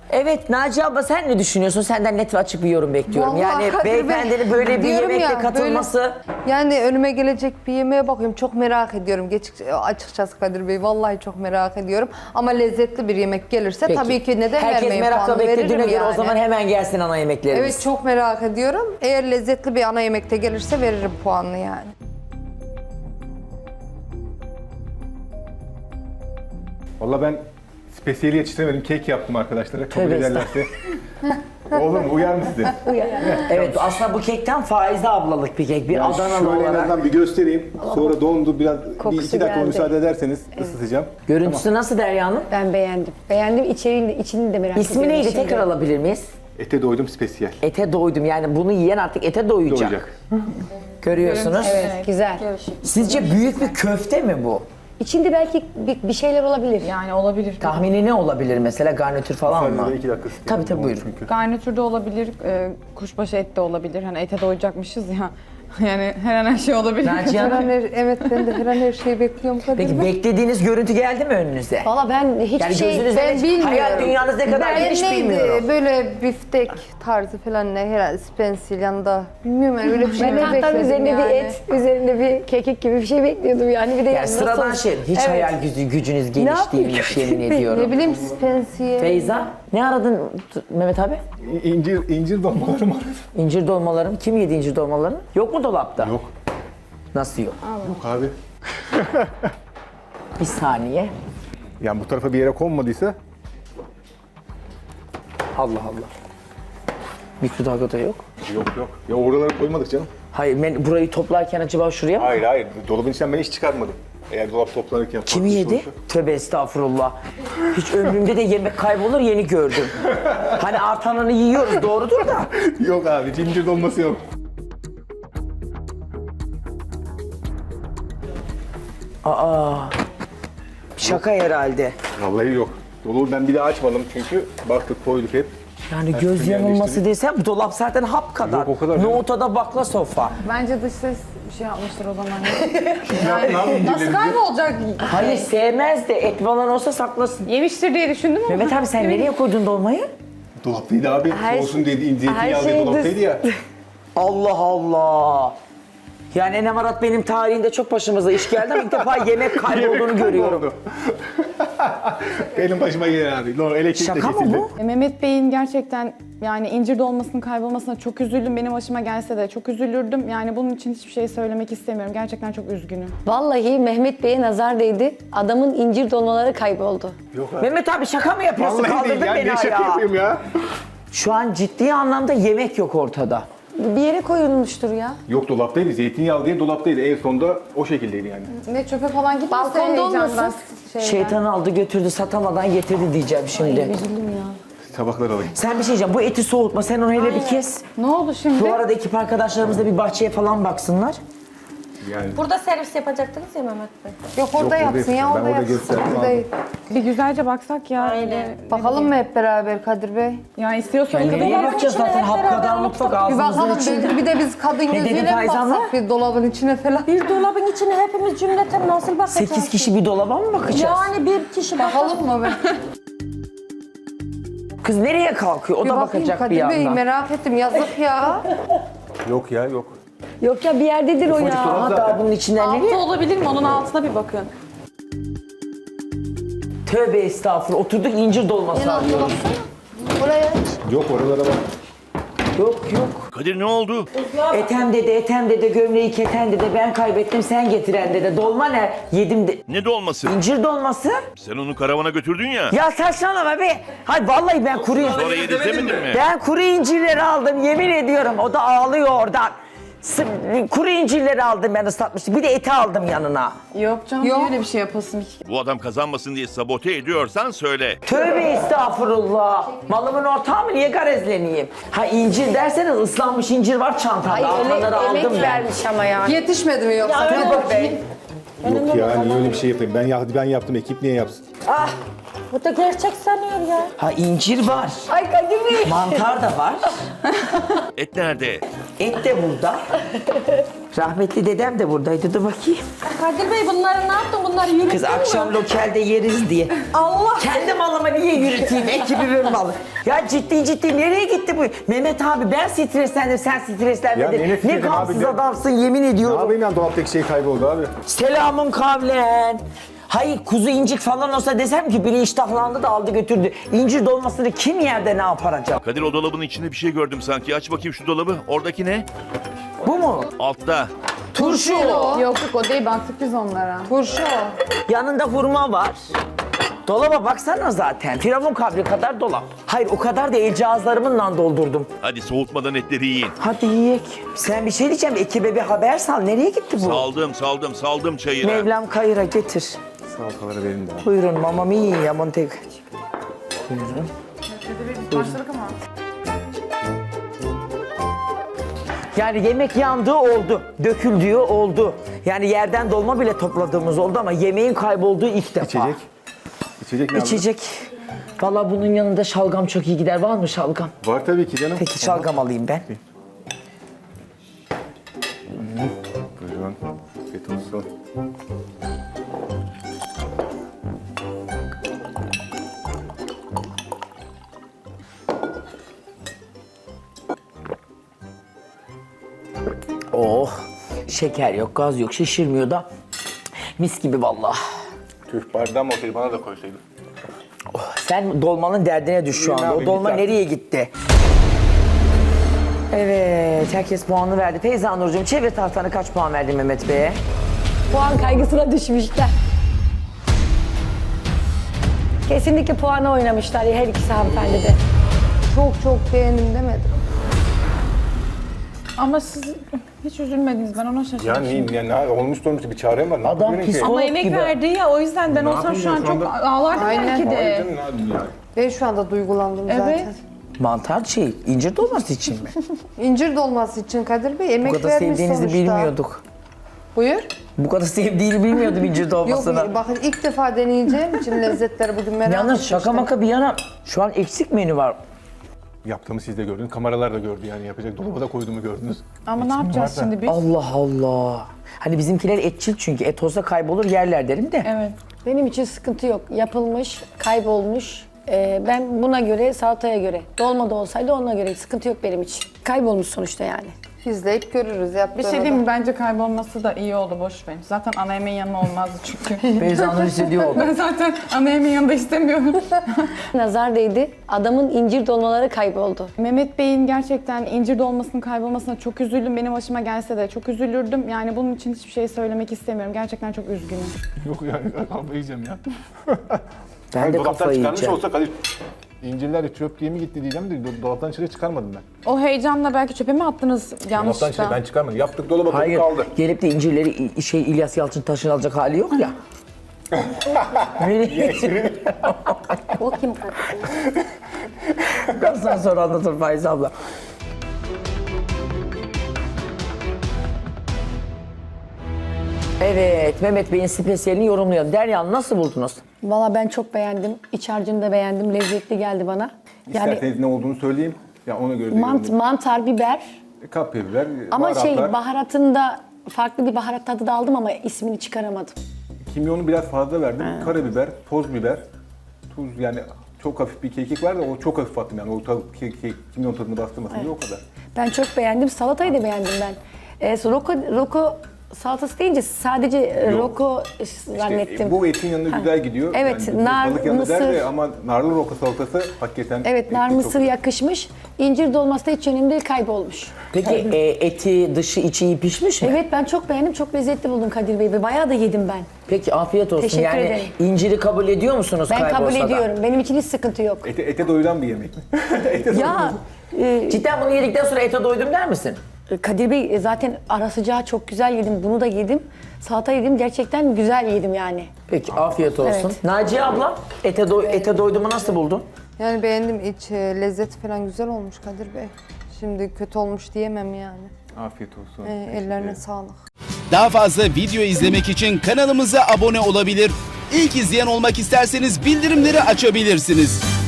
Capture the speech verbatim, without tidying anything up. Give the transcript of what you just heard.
Evet Naciye abla sen ne düşünüyorsun? Senden net ve açık bir yorum bekliyorum. Vallahi yani Kadir Bey, beyefendinin böyle bir diyorum yemekte ya, katılması... böyle- yani önüme gelecek bir yemeğe bakıyorum. Çok merak ediyorum. Geç, açıkçası Kadir Bey vallahi çok merak ediyorum. Ama lezzetli bir yemek gelirse Peki. tabii ki neden Herkes vermeyin merakla puanı beklediğine veririm göre yani. o zaman hemen gelsin ana yemeklerimiz. Evet çok merak ediyorum. Eğer lezzetli bir ana yemekte gelirse veririm puanını yani. Valla ben spesiyeli yetiştiremedim. Kek yaptım arkadaşlara. Kabul Tövbe ederlerse. Olur mu? Uyar mı size? Evet aslında bu kekten Faize ablalık bir kek. Bir Yani Adanalı şöyle en olarak. azından bir göstereyim. Sonra dondu biraz. Kokusu bir iki dakika geldi. müsaade ederseniz ısıtacağım. Görüntüsü nasıl Derya Hanım? Ben beğendim. Beğendim. İçeriğini, içini de merak İsmi ediyorum neydi? şimdi. Tekrar alabilir miyiz? Ete doydum spesiyel. Ete doydum. Yani bunu yiyen artık ete doyacak. Doyacak. Görüyorsunuz. Evet, güzel. Sizce büyük bir köfte mi bu? İçinde belki bir, bir şeyler olabilir. Yani olabilir. Tahmini ne olabilir mesela? Garnitür falan mı? Sadece iki dakika ısıtayım. Tabii tabii buyurun. Çünkü. Garnitürde olabilir, e, kuşbaşı et de olabilir. Hani ete doyacakmışız ya. Yani her an her şey olabilir. Naciye Her an Hanım, her, evet ben de her an her şeyi bekliyorum Kadir peki Bey. beklediğiniz görüntü geldi mi önünüze? Valla ben hiçbir Yani şey... gözünüzde ben ne- bilmiyorum. hayal dünyanız ne kadar Ben geniş neydi, bilmiyorum. Böyle biftek tarzı falan ne herhalde spensil yanında. Bilmiyorum yani öyle bir şey Ben de hatta bekledim üzerinde yani. bir et, üzerinde bir kekik gibi bir şey bekliyordum yani. Bir de Yani yanında sıradan sos. şey. Hiç Evet. hayal gücü, gücünüz geniş yapayım değilmiş Kadir yemin Bey? ediyorum. Ne bileyim spensiye. Feyza, ne aradın t- Mehmet abi? İ- İncir, incir dolmalarım aradım. İncir dolmalarım. Kim yedi incir dolmalarını? Yok mu dolapta? Yok. Nasıl yok? Yok abi. Bir saniye. Yani bu tarafa bir yere konmadıysa Allah Allah. Mikrodalgada yok. yok yok. Ya oralara koymadık canım. Hayır ben burayı toplarken acaba şuraya mı? Hayır hayır. Dolabın içinden ben hiç çıkartmadım. Eğer dolap toplanırken... Kim farklı yedi? olursa- Tövbe estağfurullah. Hiç ömrümde de yemek kaybolur yeni gördüm. Hani artanını yiyoruz doğrudur da. Yok abi. Cincir dolması yok. Aa. Şaka herhalde. Vallahi yok. Dolabı ben bir daha açmadım çünkü baktık koyduk hep. Yani Her göz türlü yanılması yerleştirdik. desem bu dolap zaten hap kadar. Yok, o kadar değil. Nohutada bakla sofa. Bence dış ses bir şey yapmıştır o zaman. Ne yapayım Nasıl kaybolacak? Hayır sevmez de et falan olsa saklasın. Yemiştir diye düşündüm ama. Mehmet abi sen nereye koydun dolmayı? Dolaptaydı abi. Her Olsun dedi. Zeytinyağı her diye şey dolaptaydı ya. Allah Allah. Yani Enem Arat benim tarihinde çok başımıza iş geldi ama ilk defa yemek kaybolduğunu görüyorum. Oldu. Benim başıma gelen abi. Doğru, elektrik de Şaka mı kesildi. bu? E, Mehmet Bey'in gerçekten yani incir dolmasının kaybolmasına çok üzüldüm. Benim başıma gelse de çok üzülürdüm. Yani bunun için hiçbir şey söylemek istemiyorum. Gerçekten çok üzgünüm. Vallahi Mehmet Bey'e nazar değdi. Adamın incir dolmaları kayboldu. Yok abi. Mehmet abi şaka mı yapıyorsun? Vallahi değil Kaldırdın ya. beni Ne şaka ayağa. yapayım ya? Şu an ciddi anlamda yemek yok ortada. Bir yere koyulmuştur ya. Yok dolaptaydı. Zeytinyağı diye dolaptaydı. En sonunda o şekildeydi yani. Ne çöpe falan gitmesin. Balkonda olmasın. Şeytan aldı götürdü satamadan getirdi diyeceğim şimdi. Üzüldüm ya. Tabaklar alayım. Sen bir şey diyeceğim bu eti soğutma sen onu hele bir kes. Ne oldu şimdi? Bu arada ekip arkadaşlarımız da bir bahçeye falan baksınlar. Yani Burada servis yapacaktınız ya Mehmet Bey. Yok orada Yok, yapsın ya ben orada orada yapsın. gösterdim Burada abi. değil. Bir güzelce baksak ya. Aynen. Bakalım mı hep beraber Kadir Bey? Ya istiyorsanız Yani nereye bakacağız içine zaten hep hap beraber kadar mutfak Bir ağzımızın bakalım içinde. bir, bir de biz kadın Ne dedi gözüyle mi Faiz abla? baksak bir dolabın içine falan. Bir dolabın içine hepimiz cümleten nasıl bakacağız? Sekiz kişi bir dolaba mı bakacağız? Yani bir kişi bakalım. Bakalım mı be? Kız nereye kalkıyor? O Bir da bakayım bakacak bir Kadir Bey yandan. merak ettim yazık ya. yok ya yok. Yok ya bir yerdedir o Ufacık ya. dolap. Ama daha bunun içinden nereye? Altı olabilir mi? Onun altına bir bakın. Tövbe estağfurullah. Oturduk incir dolması arıyoruz. Buraya. Yok oralara bak. Yok yok. Kadir ne oldu? Etem dede, etem dede, gömleği keten dede, ben kaybettim sen getiren dede. Dolma ne? Yedim de. Ne dolması? İncir dolması. Sen onu karavana götürdün ya. Ya saçmalama be. Hayır vallahi ben kuru Sonra yedirtemedin mi? Ben kuru incirleri aldım yemin ediyorum. O da ağlıyor oradan. S- Kuru incirleri aldım ben ıslatmıştım. Bir de eti aldım yanına. Yok canım. Yok. Yok. Öyle bir şey yapasın. Bu adam kazanmasın diye sabote ediyorsan söyle. Tövbe estağfurullah. Malımın ortağı mı? Niye garezleneyim? Ha incir derseniz ıslanmış incir var çantamda. Ay ele, Altanları emek aldım ben. vermiş ama yani. Yetişmedi mi yoksa? Dur Kadir bakayım. Bey? Yok ya niye öyle bir şey yapayım? Ben, ya- ben yaptım ekip niye yapsın? Bu da gerçek sanıyor ya. Ha incir var. Ay Kadir Bey. Mantar da var. Et nerede? Et de burada. Rahmetli dedem de buradaydı. Dur bakayım. Kadir Bey bunları ne yaptın? Bunları yürüttün Kız mü? akşam lokelde yeriz diye. Allah! Kendi malımı niye yürüteyim? Ekibimin malı. Ya ciddi ciddi nereye gitti bu? Mehmet abi ben streslendim, sen streslenmedin. Ya Ne nefret gamsız abi de- adamsın yemin Ne ediyorum. yapayım ya, dolaptaki şey kayboldu abi. Selamun kavlen. Hayır kuzu incik falan olsa desem ki biri iştahlandı da aldı götürdü. İncir dolmasını kim yerde ne yapar acaba? Kadir o dolabın içinde bir şey gördüm sanki. Aç bakayım şu dolabı. Oradaki ne? Bu mu? Altta. Turşu. Yok yok o değil, ben sürpriz onlara. Turşu. Yanında hurma var. Dolaba baksana zaten. Firavun kabri kadar dolap. Hayır o kadar da el cihazlarımla doldurdum. Hadi soğutmadan etleri yiyin. Hadi yiyek. Sen bir şey diyeceğim. Ekibe bir haber sal. Nereye gitti bu? Saldım saldım saldım çayıra. Mevlam kayıra getir. Salataları verin de abi. Buyurun mamma mia Monteg. Buyurun. Başladık ama. Yani yemek yandığı oldu, döküldüğü oldu. Yani yerden dolma bile topladığımız oldu ama yemeğin kaybolduğu ilk defa. İçecek. İçecek ne abi? İçecek. Vallahi bunun yanında şalgam çok iyi gider. Var mı şalgam? Var tabii ki canım. Peki şalgam alayım ben. Buyurun. Afiyet olsun. Oh, şeker yok, gaz yok, şişirmiyor da mis gibi vallahi. Tüh, bardağım olsaydı bana da koysaydın. Sen dolmanın derdine düş şu İyi, ne anda. O yapayım, dolma bir tane. nereye gitti? Evet, herkes puanını verdi. Feyza Nurcuğum, çevre tahtanı kaç puan verdin Mehmet Bey'e? Puan kaygısına düşmüşler. Kesinlikle puana oynamışlar her ikisi hanımefendi de. Çok çok beğendim demedim. Ama siz hiç üzülmediniz, ben ona şaşırdım. Yani, yani ne olmuş olmuş bir çarem var. Ne Adam yapabilirim ki? psikolog Ama emek gibi. verdi ya, o yüzden ben Ne olsam yapayım şu an şu çok anda? ağlardım Aynen. belki Hayır de. canım, ne yapayım yani? Ben şu anda duygulandım Evet. zaten. Mantar şey, incir dolması için mi? İncir dolması için Kadir Bey Bu emek kadar vermiş sevdiğinizi sonuçta. bilmiyorduk. Buyur. Bu kadar sevdiğini bilmiyordum incir Yok dolmasını. bakın ilk defa deneyeceğim için lezzetleri bugün merak Yalnız etmiştim. şaka maka bir yana şu an eksik menü var. Yaptığımı siz de gördünüz. Kameralar da gördü yani, yapacak. Dolaba da koyduğumu gördünüz. Ama ne yapacağız varsa. şimdi biz? Allah Allah. Hani bizimkiler etçil çünkü et olsa kaybolur yerler derim de. Evet. Benim için sıkıntı yok. Yapılmış, kaybolmuş. Ee, ben buna göre, salataya göre. Dolma da olsaydı ona göre. Sıkıntı yok benim için. Kaybolmuş sonuçta yani. İzleyip görürüz Bir yaptığını şey da. diyeyim mi? Bence kaybolması da iyi oldu, boş verin. Zaten ana yemeğin yanına olmazdı çünkü. Feyza Nur hissediyor oldu. Ben zaten ana yemeğin yanında istemiyorum. Nazar değdi. Adamın incir dolmaları kayboldu. Mehmet Bey'in gerçekten incir dolmasının kaybolmasına çok üzüldüm. Benim başıma gelse de çok üzülürdüm. Yani bunun için hiçbir şey söylemek istemiyorum. Gerçekten çok üzgünüm. Yok yani, kafayı yiyeceğim ya. Ben de dolaptan kafayı çıkarmış yiyeceğim. olsa Kadir, incirler de çöp diye mi gitti diyeceğim de do- dolaptan içeri çıkarmadım ben. O heyecanla belki çöpe mi attınız Dolaptan yanlışlıkla? içeri ben çıkarmadım. Yaptık, dolaba koyduk, Hayır, kaldı. gelip de incirleri İ- şey İlyas Yalçıntaş'ın alacak hali yok ya. O kim Kadir? Biraz daha sonra anlatır Faiz abla. Evet, Mehmet Bey'in spesiyelini yorumlayalım. Derya nasıl buldunuz? Valla ben çok beğendim. İç harcını da beğendim. Lezzetli geldi bana. Yani İsterseniz ne olduğunu söyleyeyim. Ya ona göre de mant, yorumlayayım. mantar, biber. Kapya biber, Ama baharatlar. şey baharatında farklı bir baharat tadı da aldım ama ismini çıkaramadım. Kimyonu biraz fazla verdim. Karabiber, toz biber, tuz, yani çok hafif bir kekik var da o çok hafif attım yani. O tadı, ke, ke, kimyon tadını bastırmasın diye o kadar. Ben çok beğendim. Salatayı da beğendim ben. Ee, roko, roko salatası deyince sadece e, Yok. roko İşte zannettim. bu etin yanında güzel gidiyor. Evet, Yani nar, balık yanında der de mısır. ama narlı roka salatası hakikaten... Evet, nar eti çok- mısır yakışmış. İncir dolması da hiç önemli değil, kaybolmuş. Peki e, eti, dışı, içi iyi pişmiş mi? Evet, ben çok beğendim. Çok lezzetli buldum Kadir Bey ve bayağı da yedim ben. Peki afiyet olsun. Teşekkür yani ederim. inciri kabul ediyor musunuz Ben kabul kaybolsa da? ediyorum. Benim için hiç sıkıntı yok. Ete, ete doyuran bir yemek mi? ete Ya e, Cidden bunu yedikten sonra ete doydum der misin? Kadir Bey e, zaten ara sıcağı çok güzel yedim. Bunu da yedim. Salata yedim. Gerçekten güzel yedim yani. Peki afiyet olsun. Evet. Naciye abla ete, do- ete doyduğumu nasıl buldun? Yani beğendim iç e, lezzet falan güzel olmuş Kadir Bey. Şimdi kötü olmuş diyemem yani. Afiyet olsun. E, Teşekkür ellerine ederim. sağlık. Daha fazla video izlemek için kanalımıza abone olabilir. İlk izleyen olmak isterseniz bildirimleri açabilirsiniz.